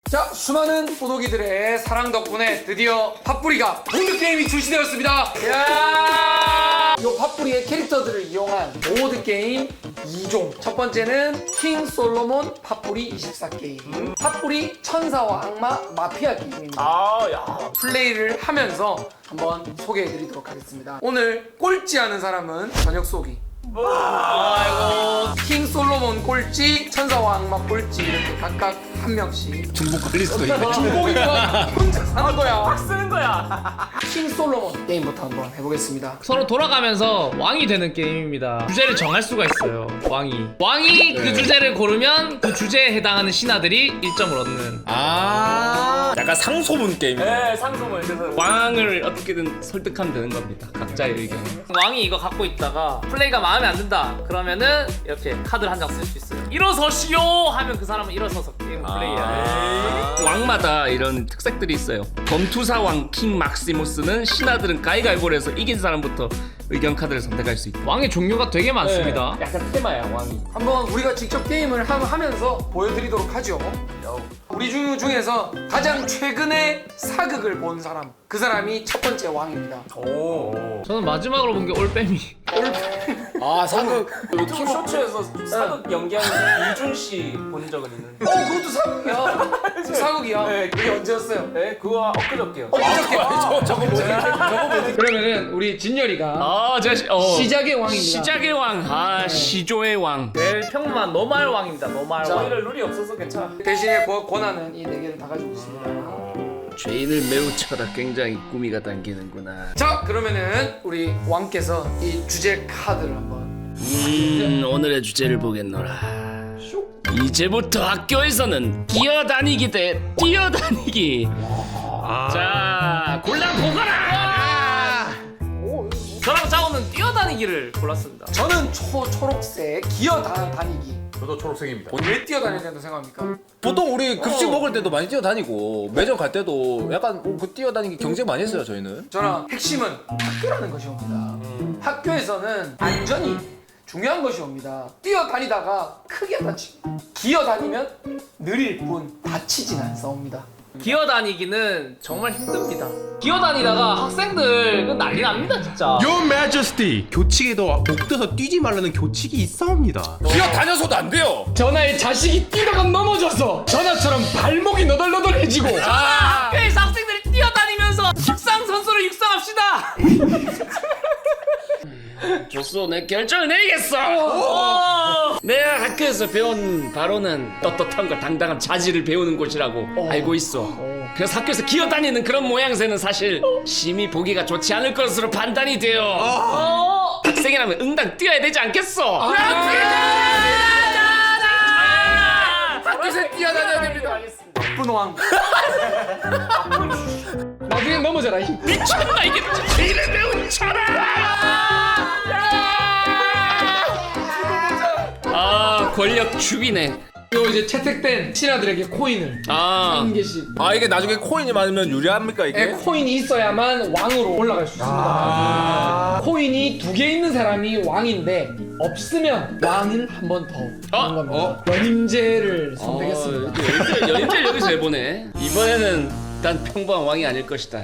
자, 수많은 보도기들의 사랑 덕분에 드디어 팥뿌리가 보드게임이 출시되었습니다. 이야! 요 팥뿌리의 캐릭터들을 이용한 보드게임 2종. 첫 번째는 킹 솔로몬 팥뿌리 24게임. 팥뿌리 천사와 악마 마피아 게임입니다. 야. 플레이를 하면서 한번 소개해드리도록 하겠습니다. 오늘 꼴찌하는 사람은 저녁 쏘기. 아이고. 킹 솔로몬 꼴찌, 천사와 악마 꼴찌 이렇게 각각 한 명씩. 중복 걸릴 수도 있네. 중복이니까 혼자 사는 거야. 쓰는 거야. 킹 솔로몬 게임부터 한번 해보겠습니다. 서로 돌아가면서 왕이 되는 게임입니다. 주제를 정할 수가 있어요. 왕이 그 주제를 고르면 그 주제에 해당하는 신하들이 1점을 얻는. 약간 상소문 게임. 네, 상소문. 그래서 왕을 어떻게든 설득하면 되는 겁니다. 각자의 의견. 왕이 이거 갖고 있다가 플레이가 마음에 안 든다 그러면은 이렇게 카드를 한 장 쓸 수 있어요. 일어서시오 하면 그 사람은 일어서서 게임 플레이해야 돼. 왕마다 이런 특색들이 있어요. 검투사왕 킹 막시무스는 신하들은 가위가위보를 해서 이긴 사람부터 의견 카드를 선택할 수 있고. 왕의 종류가 되게 많습니다. 약간 테마야, 왕이. 한번 우리가 직접 게임을 하면서 보여드리도록 하죠. 우리 중에서 가장 최근에 사극을 본 사람, 그 사람이 첫 번째 왕입니다. 저는 마지막으로 본 게 올빼미. 사극. 유튜브 쇼츠에서 사극 연기하는 이준 씨 본 적은 있는데. 그것도 사극이야. 사극이야. 네. 그게 언제였어요? 네, 그거 엊그저께요. 어저께. 저거 뭐지? 그러면은 우리 진열이가 제가 시작의 왕입니다. 시작의 왕. 시조의 왕. 제일 평범한 노말 왕입니다. 노말 왕. 저희는 룰이 없어서 괜찮아. 대신에 권한은 이 4개를 다 가지고 있습니다. 죄인을 매우 쳐다 굉장히 꾸미가 당기는구나. 자, 그러면은 우리 왕께서 이 주제 카드를 한번. 오늘의 주제를 보겠노라. 이제부터 학교에서는 기어다니기 대 뛰어다니기. 자, 골라보거라. 저랑 짜오는 뛰어다니기를 골랐습니다. 저는 초록색 기어다니기. 저도 초록색입니다. 왜 뛰어다녀야 된다고 생각합니까? 보통 우리 급식 먹을 때도 많이 뛰어다니고 매점 갈 때도 약간 그 뛰어다니기 경쟁 많이 했어요 저희는. 저는 핵심은 학교라는 것이 옵니다. 학교에서는 안전이 중요한 것이 옵니다. 뛰어다니다가 크게 다칩니다. 기어다니면 느릴 뿐 다치진 않사옵니다. 기어다니기는 정말 힘듭니다. 기어다니다가 학생들 그 난리 납니다 진짜. Your Majesty! 교칙에도 목 떠서 뛰지 말라는 교칙이 있사옵니다. 뛰어다녀서도 안 돼요. 전하의 자식이 뛰다가 넘어져서 전하처럼 발목이 너덜너덜해지고 학교에서 학생들이 뛰어다니면서 육상 선수를 육성합시다. 좋소, 내 결정을 내리겠어. 내가 학교에서 배운 바로는 떳떳함과 당당한 자질을 배우는 곳이라고 알고 있어. 그래서 학교에서 기어다니는 그런 모양새는 사실 심히 보기가 좋지 않을 것으로 판단이 돼요. 학생이라면 응당 뛰어야 되지 않겠어? 학교에서 뛰어다녀야 됩니다. 분왕. 나중에 넘어져라. 미쳤나 이게 죄인을 배운 천하. 권력 주비네. 요 이제 채택된 신하들에게 코인을 한 개씩. 이게 나중에 코인이 많으면 유리합니까 이게? 코인이 있어야만 왕으로 올라갈 수 있습니다. 코인이 2개 있는 사람이 왕인데 없으면 왕을 한 번 더 하는 겁니다. 연임제를 선택했습니다. 연임제를 여기서 해보네. 이번에는 난 평범한 왕이 아닐 것이다.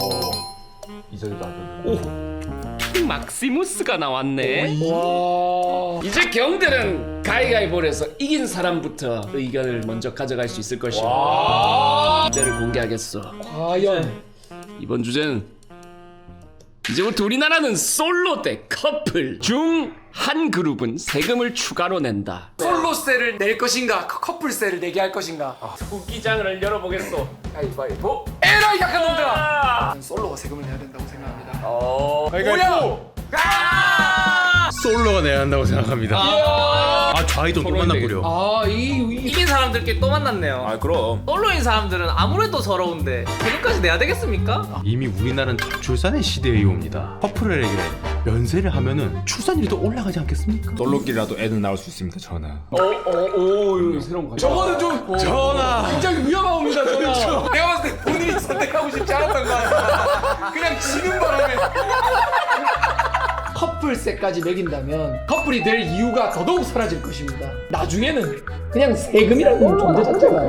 킹 막시무스가 나왔네. 와. 이제 경들은 가위가위보를 해서 이긴 사람부터 의견을 먼저 가져갈 수 있을 것이야. 주제를 공개하겠어. 과연 이번 주제는 이제부터 우리나라는 솔로 대 커플 중 한 그룹은 세금을 추가로 낸다. 솔로세를 낼 것인가 커플세를 내게 할 것인가. 국기장을 열어보겠소. 가위바위보. 에라이 약한 놈들아. 저는 솔로가 세금을 내야 된다고 생각합니다. 가위바위보! 솔로가 내야 한다고 생각합니다. 좌이도 또 만나보려. 이긴 사람들끼리 또 만났네요. 그럼. 솔로인 사람들은 아무래도 서러운데 세금까지 내야 되겠습니까? 이미 우리나라는 저출산의 시대에 옵니다. 커플에게 면세를 하면은 출산율이 올라가지 않겠습니까? 솔로끼리라도 애는 낳을 수 있습니다 전하. 이거 새로운 거. 저거는 좀 전하! 굉장히 위험합니다. 저는. 내가 봤을 때 본인이 선택하고 싶지 않았던 거 같아. 그냥 지는 바람에. 커플세까지 매긴다면 커플이 될 이유가 더더욱 사라질 것입니다. 나중에는 그냥 세금이라는 존재 자체가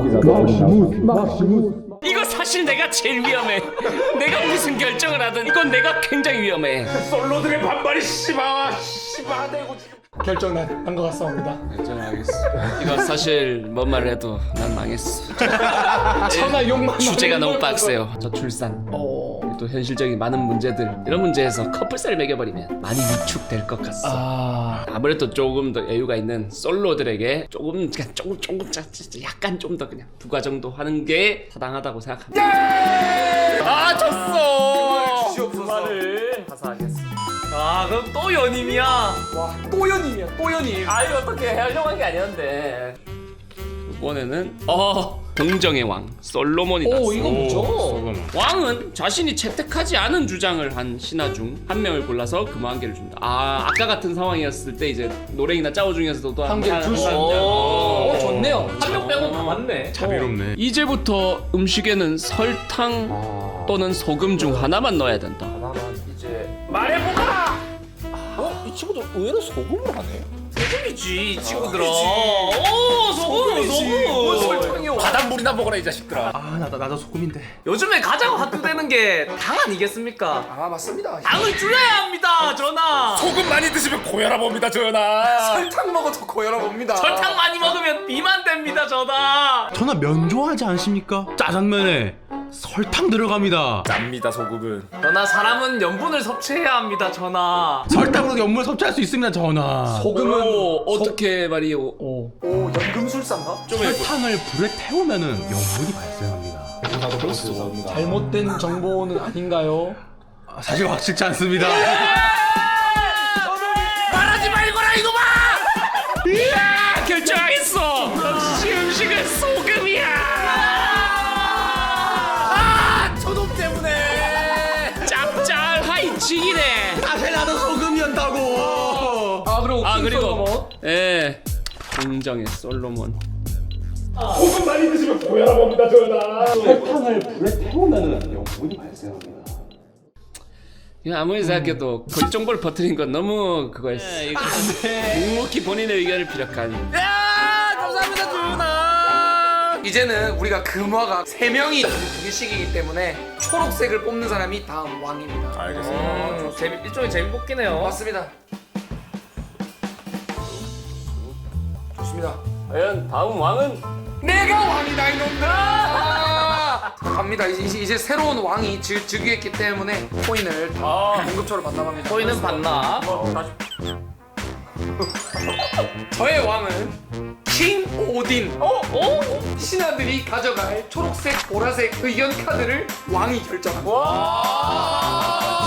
이거 사실 내가 제일 위험해. 내가 무슨 결정을 하든 이건 내가 굉장히 위험해. 솔로들의 반발이 씨바대고 지금. 결정 난 것 같습니다. 결정하겠어. 이거 사실 뭔 말을 해도 난 망했어. 천하 욕만 주제가 하는 너무 걸 빡세요. 저 출산. 어. 또 현실적인 많은 문제들 이런 문제에서 커플살을 매겨버리면 많이 위축될 것 같아. 아무래도 조금 더 여유가 있는 솔로들에게 조금 그냥 조금 약간 좀 더 그냥 부가 정도 하는 게 타당하다고 생각합니다. 아 졌어. 주시옵소서. 가사하겠습니다. 아 그럼 또 연임이야. 와, 또 연임이야, 또 연임. 아 이거 어떻게 하려고 한 게 아니었는데. 이번에는 동정의 왕 솔로몬이 오, 났어. 이거 뭐죠? 왕은 자신이 채택하지 않은 주장을 한 신하 중 한 명을 골라서 금화 한 개를 준다. 아까 같은 상황이었을 때 이제 노랭이나 짜오 중에서도 또 한 개를 줄 수 있는. 오, 좋네요. 한 명 빼고 다 맞네. 자비롭네. 이제부터 음식에는 설탕 또는 소금 중 하나만 넣어야 된다. 이제 말해보라. 이 친구도 의외로 소금을 하네. 소금이지 이 친구들아. 오 소금. 설탕이요. 바닷물이나 먹어라 이 자식들아. 아 나도 소금인데. 요즘에 가장 화두되는 게 당 아니겠습니까? 아, 맞습니다. 당을 줄여야 합니다, 전하. 소금 많이 드시면 고혈압 옵니다 전하. 설탕 먹어도 고혈압 옵니다. 설탕 많이 먹으면 비만됩니다, 전하. 전화 면 좋아하지 않습니까? 짜장면에 설탕 들어갑니다. 납니다 소금은. 전하 사람은 염분을 섭취해야 합니다, 전하. 설탕으로 염분을 섭취할 수 있습니다, 전화. 소금은 어떻게 말이요? 오, 연금술사인가? 설탕을 불에 태우면은 염분이 발생합니다. 잘못된 정보는 아닌가요? 사실 확실치 않습니다. 말하지 말거라 이놈아. 결정하겠어. 역시 음식은 소금이야. 저놈 때문에. 짭짤하이 지기네. 사실 나도 소금이었다고. 아, 그리고 그리고 동정의 솔로몬. 설탕을 불에 태우면은 염분이 발생합니다. 이거 아무리 생각해도 거짓 정보를 퍼뜨린 건 너무 그거였어. 묵묵히 본인의 의견을 피력한. 야 감사합니다, 전하. 이제는 우리가 금화가 3명이 2개씩이기 때문에 초록색을 뽑는 사람이 다음 왕입니다. 알겠습니다. 일종의 재미 뽑기네요. 맞습니다. 좋습니다. 과연 다음 왕은 내가 왕이다 이놈들! 갑니다. 이제 새로운 왕이 즉위했기 때문에 코인을 공급처로 반납합니다. 저희는 반납. 저의 왕은 킹 오딘. 신하들이 가져갈 초록색, 보라색 의견 카드를 왕이 결정합니다.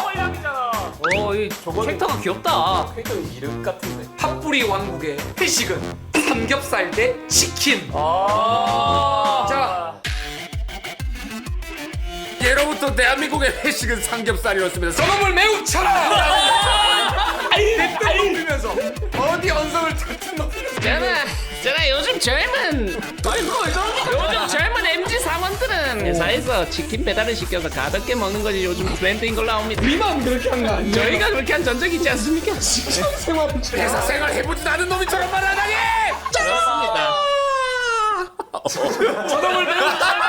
이 캐릭터가 귀엽다. 캐릭터 이름 같은데. 팥뿌리 왕국의 회식은 삼겹살 대 치킨. 자, 예로부터 대한민국의 회식은 삼겹살이었습니다. 저놈을 매우 쳐라! 대뜸 높이면서 어디 언성을 대뜸 높이면서 전하 요즘 젊은 MZ 사원들은 회사에서 치킨 배달을 시켜서 가볍게 먹는 것이 요즘 트렌드인 걸로 나옵니다. 니만 그렇게 한 거 아니야? 저희가 그렇게 한 전적 있지 않습니까? 회사 생활 해보지도 않은 놈이 저런 말을 하다니! 그렇습니다. 저놈을 매우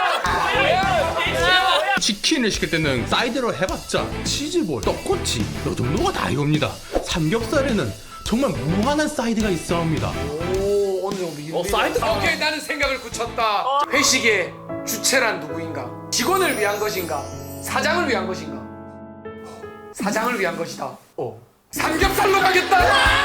치킨을 시킬 때는 사이드로 해봤자 치즈볼, 떡꼬치 요 정도가 다 이겁니다. 삼겹살에는 정말 무한한 사이드가 있어 합니다. 오, 어느 정도 이거. 사이드. 오케이, 나는 생각을 굳혔다. 회식의 주체란 누구인가? 직원을 위한 것인가? 사장을 위한 것인가? 사장을 위한 것이다. 삼겹살로 가겠다.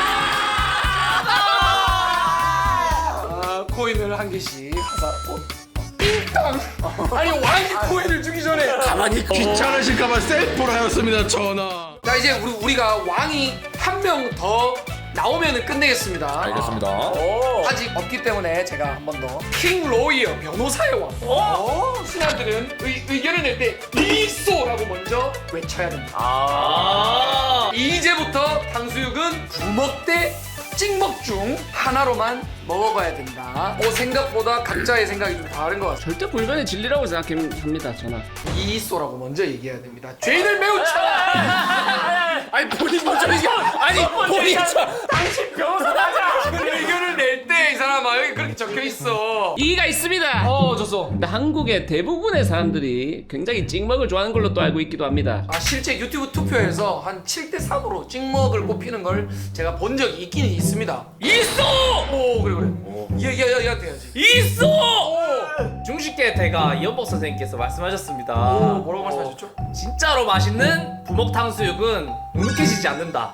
코인을 한 개씩 하자. 띵땅. 아니 왕이 코인을 주기 전에. 가만히 귀찮으실까봐 셀프로 하였습니다, 전하. 자, 이제 우리가 왕이 한 명 더 나오면은 끝내겠습니다. 알겠습니다. 아직 없기 때문에 제가 한 번 더. 킹 로이어 변호사의 왕. 신하들은 의견을 낼 때 리소라고 먼저 외쳐야 됩니다. 이제부터 탕수육은 부먹 대 찍먹 중 하나로만 먹어봐야 된다. 생각보다 각자의 생각이 좀 다른 것 같아요. 절대 불변의 진리라고 생각합니다, 전하. 이소라고 먼저 얘기해야 됩니다. 죄인을 매우 쳐라. 아니 본인 먼저 이게 아니 본인 의견을 낼 때 이 사람아 여기 이렇게 적혀 있어. 이의가 있습니다. 줬어. 근데 한국의 대부분의 사람들이 굉장히 찍먹을 좋아하는 걸로 또 알고 있기도 합니다. 아 실제 유튜브 투표에서 한 7대3으로 찍먹을 꼽히는 걸 제가 본 적이 있긴 있습니다. 있어! 오 그래. 얘한테 해야지. 있어! 중식계 대가 이현복 선생님께서 말씀하셨습니다. 뭐라고 말씀하셨죠? 진짜로 맛있는 부먹 탕수육은 눅눅해지지 않는다.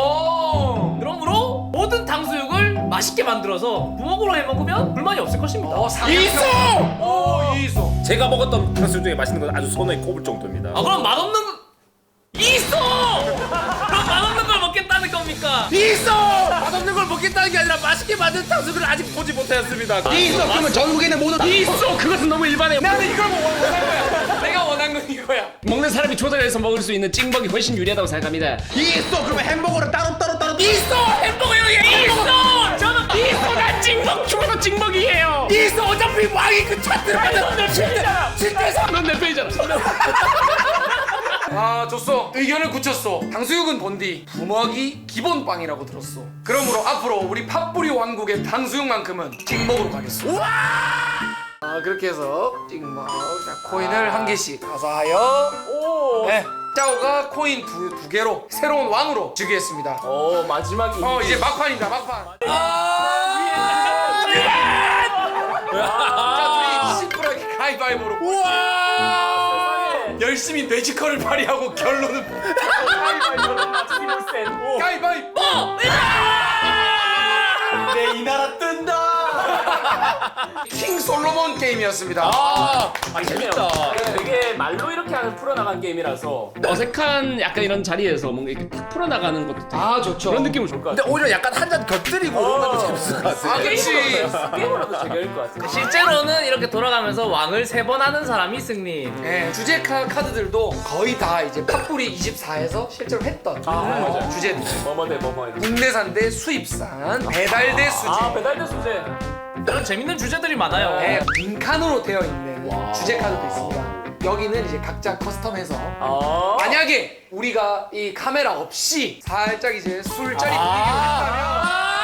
그러므로 모든 탕수육을 맛있게 만들어서 부먹으로 해 먹으면 불만이 없을 것입니다. 있어. 제가 먹었던 탕수육 중에 맛있는 건 아주 손에 꼽을 정도입니다. 아 그럼 맛없는 거 있어! 그럼 맛없는 걸 먹겠다는 겁니까? 있어! 맛없는 걸 먹겠다는 게 아니라 맛있게 만든 탕수육을 아직 보지 못하였습니다. 있어. 그러면 전국에 있는 모든 있어. 그것은 너무 일반해요. 나는 이걸 원한 거야. 내가 원한 건 이거야. 먹는 사람이 조절해서 먹을 수 있는 찍먹이 훨씬 유리하다고 생각합니다. 있어. 그러면 햄버거를 따로 있어. 햄버거 여기 있어. 저는 있어. 난 찍먹 죽어도 찍먹이에요. 있어. 어차피 왕이 그 차트를 넌내 편이잖아. 진짜서 넌내 편이잖아. 아 줬어. 의견을 굳혔어. 탕수육은 본디 부먹이 기본빵이라고 들었어. 그러므로 앞으로 우리 팥뿌리 왕국의 탕수육만큼은 찍먹으로 가겠어. 아 그렇게 해서 찍먹. 자 코인을 한 개씩 가사하여. 네. 짜오가 코인 두 개로 새로운 왕으로 즉위했습니다. 마지막이 이제 막판입니다. 막판. 자 둘이 심플하게 가위바위보로. 열심히 뇌지컬을 발휘하고 결론은 가위바위보. 내 이 나라 뜬다. 킹 솔로몬 게임이었습니다. 재밌다. 되게 말로 이렇게 하는 풀어나간 게임이라서 어색한 약간 이런 자리에서 뭔가 이렇게 탁 풀어나가는 것도 아 좋죠. 그런 느낌을 줄 것 같아. 근데 오히려 약간 한 잔 곁들이고 이런 것도 재밌을 것 같아요. 아 그렇지. 게임으로도 재미있을 것 같아. 실제로는 이렇게 돌아가면서 왕을 3번 하는 사람이 승리. 네, 주제 카드들도 거의 다 이제 팥뿌리 24에서 실제로 했던 맞아요. 주제들. 뭐뭐대 뭐뭐해. 국내산 대 수입산, 배달 대 수제. 배달대 수제. 이런 재밌는 주제들이 많아요. 네, 빈칸으로 되어 있는 주제 카드도 있습니다. 여기는 이제 각자 커스텀해서 만약에 우리가 이 카메라 없이 살짝 이제 술자리 분위기로 했다면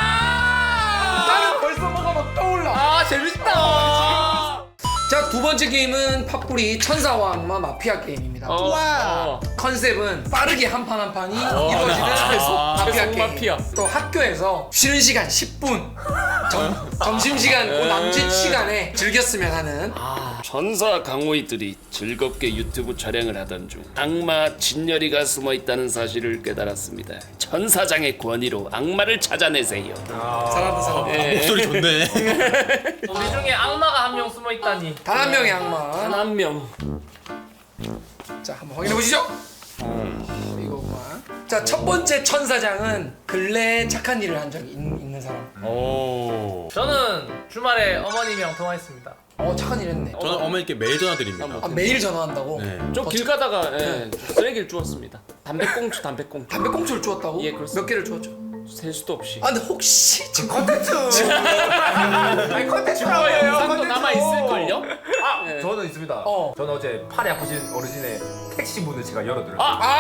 나는 벌써 뭐가 막 떠올라. 아 재밌다. 자, 두 번째 게임은 팥뿌리 천사왕마 마피아 게임입니다. 컨셉은 빠르게 한 판 한 판이 이루어지는 마피아 게임. 마피아. 또 학교에서 쉬는 시간 10분, 점심시간 그 남짓 시간에 즐겼으면 하는 천사 강호이들이 즐겁게 유튜브 촬영을 하던 중 악마 진열이가 숨어 있다는 사실을 깨달았습니다. 천사장의 권위로 악마를 찾아내세요. 잘한다 잘한다. 목소리 좋네. 우리 중에 악마가 한 명 숨어 있다니. 단 한 명의 악마. 단 한 명. 자, 한번 확인해 보시죠. 이거구만. 자, 첫 번째 천사장은 근래에 착한 일을 한 적이 있는 사람. 저는 주말에 어머님이랑 통화했습니다. 착한 일 했네. 저는 어머니께 매일 전화드립니다. 아, 매일 전화한다고? 네. 좀 길 가다가 쓰레기를 주웠습니다. 담배꽁초. 담배꽁초를 주웠다고? 예, 그렇습니다. 몇 개를 주웠죠? 셀 수도 없이. 아, 근데 혹시 지금 컨텐츠 아니 컨텐츠라고 해요. 상도 남아 있을걸요? 저는 있습니다. 저는 어제 팔이 아프신 어르신의 택시 문을 제가 열어드렸어요.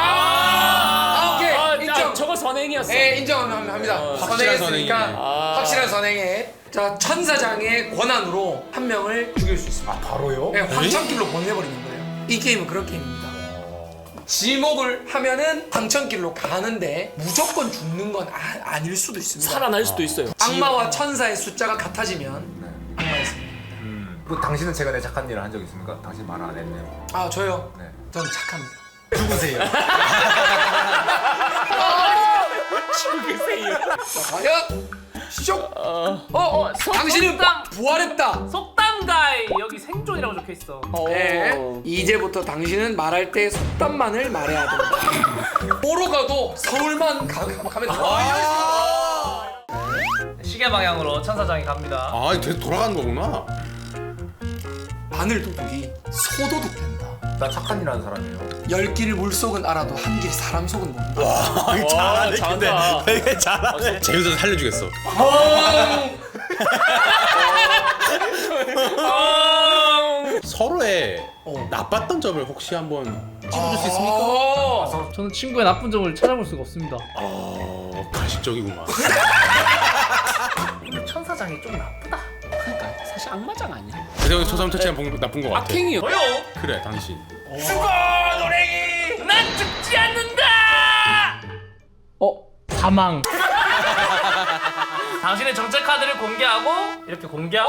오케이. 인정. 저거 선행이었어. 예, 인정합니다. 선행했으니까 확실한 선행에. 자, 천사장의 권한으로 한 명을 죽일 수 있습니다. 바로요? 네, 황천길로 보내버리는 거예요. 이 게임은 그런 게임입니다. 지목을 하면은 황천길로 가는데 무조건 죽는 건 아닐 수도 있습니다. 살아날 수도 있어요. 악마와 천사의 숫자가 같아지면 악마의 승리. 그 당신은 최근에 착한 일을 한 적 있습니까? 당신 말 안 했네요. 아, 저요? 네. 전 착합니다. 죽으세요. 죽으세요. 자, 과연 시작. 당신은 속담. 부활했다. 속담가에 여기 생존이라고 적혀 있어. 네. 이제부터 당신은 말할 때 속담만을 말해야 된다. 뭐로 가도 서울만 가면 다. 시계 방향으로 천사장이 갑니다. 아, 계속 돌아가는 거구나. 바늘 도둑이 소도둑 된다. 나 착한 일 하는 사람이에요. 10길 물속은 알아도 한 길 사람 속은 모른다. 잘하네. 잘한다. 되게 잘하네. 재밌어서 살려주겠어. 서로의 나빴던 점을 혹시 한번 찝어줄 수 있습니까? 저는 친구의 나쁜 점을 찾아볼 수가 없습니다. 가식적이구만. 천사장이 좀 나쁘다. 악마장 아니야? 그래서 저 사람 터치한 나쁜 거 같아. 악행이요. 뭐요? 그래 당신. 죽어 노랭이! 난 죽지 않는다! 사망. 당신의 정체 카드를 공개하고 이렇게 공개하고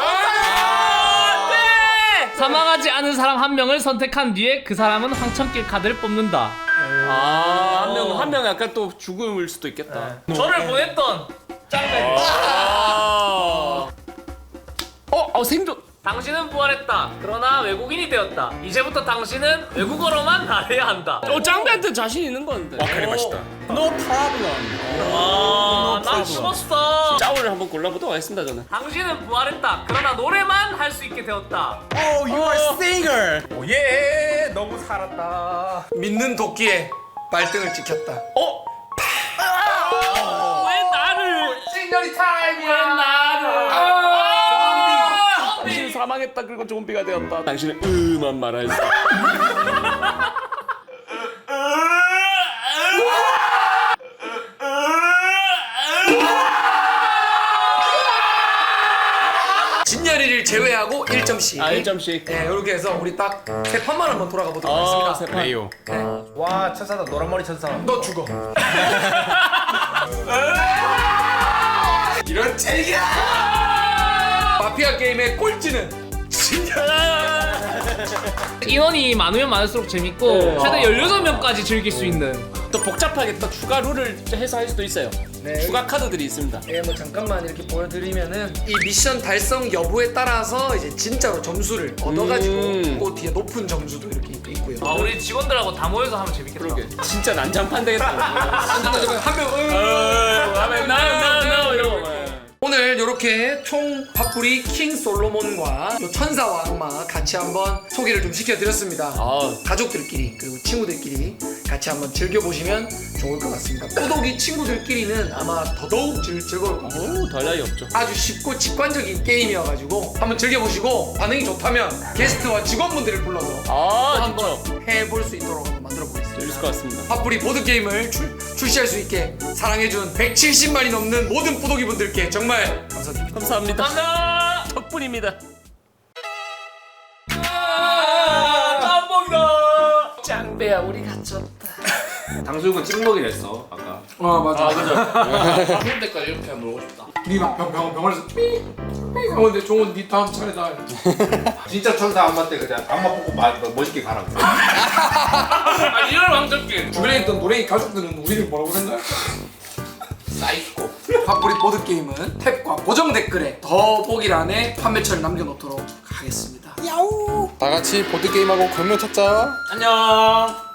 네! 사망하지 않은 사람 한 명을 선택한 뒤에 그 사람은 황천길 카드를 뽑는다. 한 명 약간 또 죽을 수도 있겠다. 저를 보냈던 짱배. 생존. 당신은 부활했다. 그러나 외국인이 되었다. 이제부터 당신은 외국어로만 말해야 한다. 짱배한테 자신 있는 건데. 와 카레 맛있다. No problem. 난 죽었어. 짜오를 한번 골라보도록 하겠습니다 저는. 당신은 부활했다. 그러나 노래만 할 수 있게 되었다. Oh, you are singer. 예, 너무 살았다. 믿는 도끼에 발등을 찍혔다. 왜 나를? 시그널이 타임이야. 왜 나를? 당신은 사망했다 그리고 좀비가 되었다. 당신은 음한 말하였어. 진열이를 제외하고 1점씩. 1점씩. 네, 이렇게 해서 우리 딱 세 판만 한번 돌아가 보도록 하겠습니다. 세 판. 레이오. 와 천사다 노란머리 천사. 너 죽어. 이런 책이야. 마피아 게임의 꼴찌는 인원이 많으면 많을수록 재밌고 최대 16명까지 즐길 수 있는. 또 복잡하게 또 추가 룰을 해서 할 수도 있어요. 네. 추가 카드들이 있습니다. 네, 뭐 잠깐만 이렇게 보여드리면은 이 미션 달성 여부에 따라서 이제 진짜로 점수를 얻어가지고 그 뒤에 높은 점수도 이렇게 있고요. 아 우리 직원들하고 다 모여서 하면 재밌겠다. 그러게. 진짜 난장판 되겠다. 한명 나 이러고. 오늘 이렇게 총 팝뿌리 킹 솔로몬과 요 천사와 악마 같이 한번 소개를 좀 시켜드렸습니다. 가족들끼리 그리고 친구들끼리 같이 한번 즐겨보시면 좋을 것 같습니다. 꼬독이 친구들끼리는 아마 더더욱 즐거울 것 같아요. 달 나위 없죠. 아주 쉽고 직관적인 게임이어가지고 한번 즐겨보시고 반응이 좋다면 게스트와 직원분들을 불러서 한번 해볼 수 있도록 한번 만들어보겠습니다. 재밌을 것 같습니다. 팝뿌리 보드게임을 출시할 수 있게 사랑해준 170만이 넘는 모든 뿌독이 분들께 정말 감사드립니다. 감사합니다. 감사합니다. 덕분입니다. 짬뽕이다. 짱배야 우리 갇혔다. 당수육은 찍먹이랬어 아까. 맞아. 죽을 때까지 이렇게 놀고 싶다. 니막 병원에서 근데 종훈 니 다음 차례다. 진짜 천사 악마 때 그냥 악마 뽑고 멋있게 가라고. 이런 왕적길. 주변에 있던 노랭이 가족들은 우리를 뭐라고 생각할까? 사이코. 팝뿌리 보드게임은 탭과 고정 댓글에 더보기란에 판매처를 남겨놓도록 하겠습니다. 다 같이 보드 게임하고 광명 찾자. 안녕.